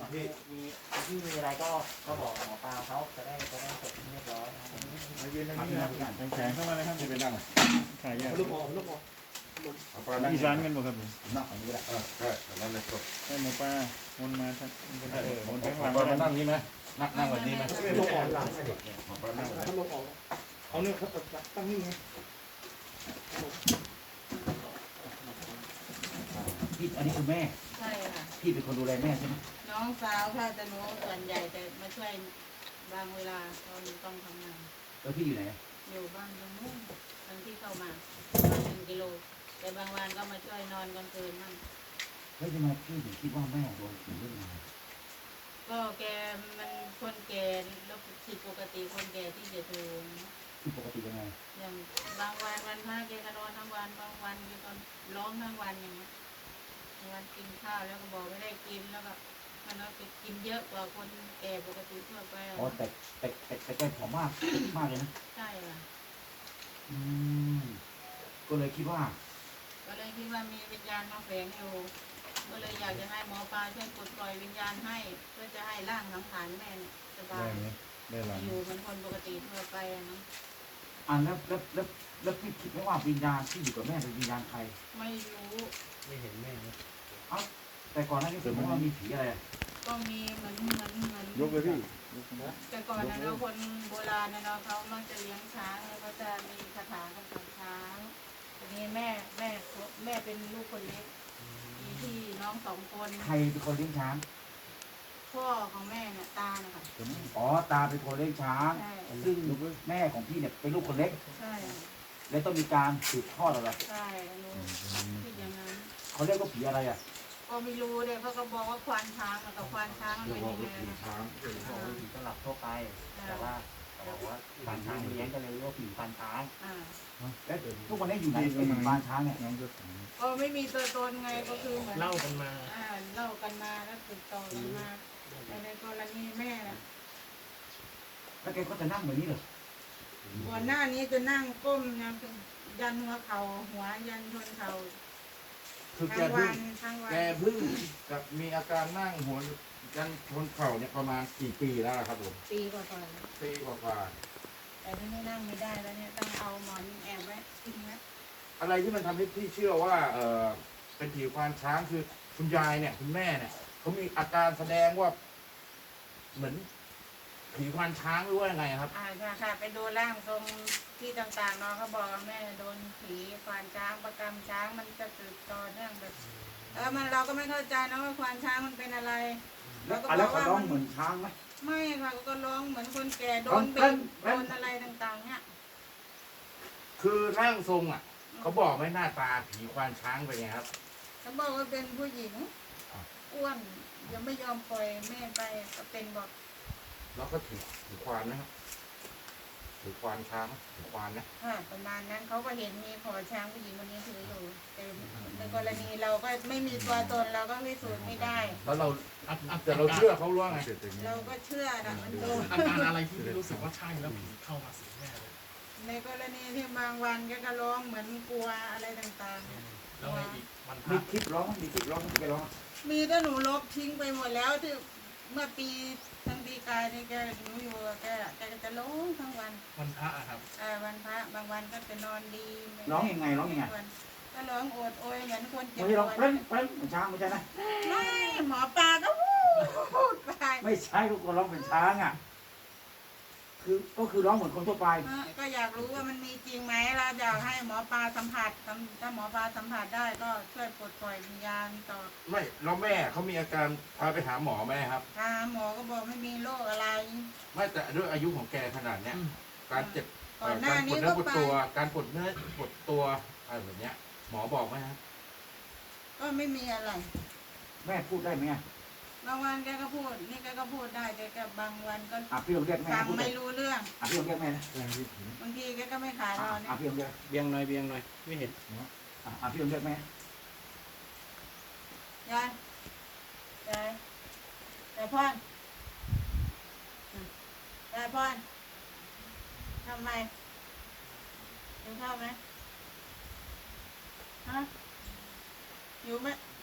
พี่มีอะไรก็บอกหมอปลาเขาจะได้เสร็จเรียบร้อยมายืนตรงนี้นะแข็งเข้ามาเลยครับจะไปนั่งถ่ายยากลูกออกอีสานกันหมดครับผมนั่งอันนี้แหละนั่นเลยครับให้หมอปลาวนมาทักวนข้างหลังมานั่งนี้ไหมนั่งแบบนี้ไหมลูกออกหลังหมอปลานั่งลูกออกเอาเนี่ยครับตั้งนี่ไงพี่อันนี้คือแม่ใช่ค่ะพี่เป็นคนดูแลแม่ใช่ไหมน้องสาวค่ะแต่หนูส่วนใหญ่แต่มาช่วยบางเวลาตอนต้องทำงานแล้วพี่อยู่ไหนอยู่บ้านตรงนู้นตอนที่เข้ามา1 กิโลแต่บางวันก็มาช่วยนอนกลางคืนมั่งแล้วทำไมพี่ถึงคิดว่าแม่โดนผีเล่นงานก็แกมันคนแก่แล้วผิดปกติคนแก่ที่จะดูผิดปกติยังไงอย่างบางวันวันพระแกก็นอนทั้งวันบางวันแกก็ร้องทั้งวันอย่างเงี้ยวันกินข้าวแล้วก็บอกไม่ได้กินแล้วก็มันเอาไปกินเยอะกว่าคนแก่ปกติทั่วไปอ๋อแต่แกผอมมากเลยนะใช่ค่ะก็เลยคิดว่ามีวิญญาณมาแฝงอยู่ก็เลยอยากจะให้หมอปลาช่วยปลดปล่อยวิญญาณให้เพื่อจะให้ร่างสังขารแม่สบายอยู่เหมือนคนปกติทั่วไปนะแล้วพี่คิดไหมว่าวิญญาณที่อยู่กับแม่เป็นวิญญาณใครไม่รู้ไม่เห็นแม่แต่ก่อนหน้านี้ผมว่ามีผีอะไรก็มีเหมือนยกเลยพี่แต่ก่อนนะเราคนโบราณนะเนาะเขามักจะเลี้ยงช้างแล้วก็จะมีคาถากำกับช้างทีนี้แม่เป็นลูกคนเล็กมีพี่น้อง2 คนใครเป็นคนเลี้ยงช้างพ่อของแม่เนี่ยตานะคะอ๋อตาเป็นคนเลี้ยงช้างซึ่งแม่ของพี่เนี่ยเป็นลูกคนเล็กใช่แล้วต้องมีการสืบทอดอะไรใช่คิดอย่างนั้นเขาเรียกว่าผีอะไรก็ไม่รู้เลยเขาก็บอกว่าควานช้างกับควานช้างมันเป็นยังไงนะผีสำหรับทั่วไปแต่ว่าบอกว่าควานช้างเลี้ยงก็เลยเรียกว่าผีควานช้างแล้วทุกวันนี้อยู่ในควานช้างเนี่ยก็ไม่มีตัวตนไงก็คือเหมือนเล่ากันมาแล้วติดต่อกันมาแต่ในกรณีแม่น่ะแล้วแกก็จะนั่งแบบนี้เลยก่อนหน้านี้จะนั่งก้มยันหัวเข่าหัวยันชนเข่าคือแกเพิ่งกับมีอาการนั่งหัวกันชนเข่าเนี่ยประมาณกี่ปีแล้วครับผมปีกว่าแต่ที่นี่นั่งไม่ได้แล้วเนี่ยต้องเอาหมอนแอบไว้ทิ้งไว้อะไรที่มันทำให้พี่เชื่อว่าเป็นผีควานช้างคือคุณยายเนี่ยคุณแม่เนี่ยเขามีอาการแสดงว่าเหมือนผีควานช้างหรือว่ายังไงครับค่ะไปดูร่างทรงที่ต่างๆเนาะเขาบอกว่าแม่โดนผีควานช้างประกำช้างมันจะสืบต่อเนื่องแบบเราก็ไม่เข้าใจนะว่าควานช้างมันเป็นอะไรเราก็บอกว่าร้องเหมือนช้างไหมไม่ค่ะก็ร้องเหมือนคนแก่โดนเบนโดนอะไรต่างๆเนี่ยคือร่างทรงเขาบอกไม่หน้าตาผีควานช้างเป็นไงครับเขาบอกว่าเป็นผู้หญิงอ้วนยังไม่ยอมปล่อยแม่ไปก็เป็นบอกแล้วก็ถือควานนะครับถือควานช้างถือควานนะประมาณนั้นเขาก็เห็นมีขอช้างผู้หญิงคนนี้ถืออยู่แต่ในกรณีเราก็ไม่มีตัวตนเราก็พิสูจน์ไม่ได้แล้วแต่เราเชื่อเขาว่าไงเราก็เชื่อนะมันโดนอาการอะไรที่รู้สึกว่าใช่แล้วผีเข้ามาสิงแม่เลยในกรณีที่บางวันก็ร้องเหมือนกลัวอะไรต่างๆแล้วอีกวันมีคลิปร้องแกร้องมีแต่หนูลบทิ้งไปหมดแล้วที่เมื่อปีทั้งปีกายนี่แกหนูอยู่แกจะร้องทั้งวันพระครับวันพระบางวันก็จะนอนดีร้องยังไงก็ร้องโอดโอยเหมือนคนเจ็บปวดร้องเป็นช้างไม่ใช่นะไม่หมอปลาก็พูดไปไม่ใช่ทุกคนร้องเป็นช้างก็คือร้องเหมือนคนทั่วไปก็อยากรู้ว่ามันมีจริงไหมเราอยากให้หมอปลาสัมผัสถ้าหมอปลาสัมผัสได้ก็ช่วยปลดปล่อยวิญญาณต่อไม่แล้วแม่เขามีอาการพาไปหาหมอไหมครับหมอก็บอกไม่มีโรคอะไรไม่แต่ด้วยอายุของแกขนาดเนี้ยการเจ็บการปวดเนื้อปวดตัวการปวดเนื้อปวดตัวอะไรแบบเนี้ยหมอบอกไหมครับก็ไม่มีอะไรแม่พูดได้ไหมบางวันแกก็พูดนี่แกก็พูดได้แต่บางวันก็พี่ลองเรียกแม่ฟังไม่รู้เรื่องพี่ลองเรียกแม่นะบางทีแกก็ไม่ขายเราเนี่ยพี่ลองเรียกเบียงหน่อยไม่เห็นพี่ลองเรียกแม่ยายพ่อนทำไมกินข้าวไหมฮะอยู่ไหม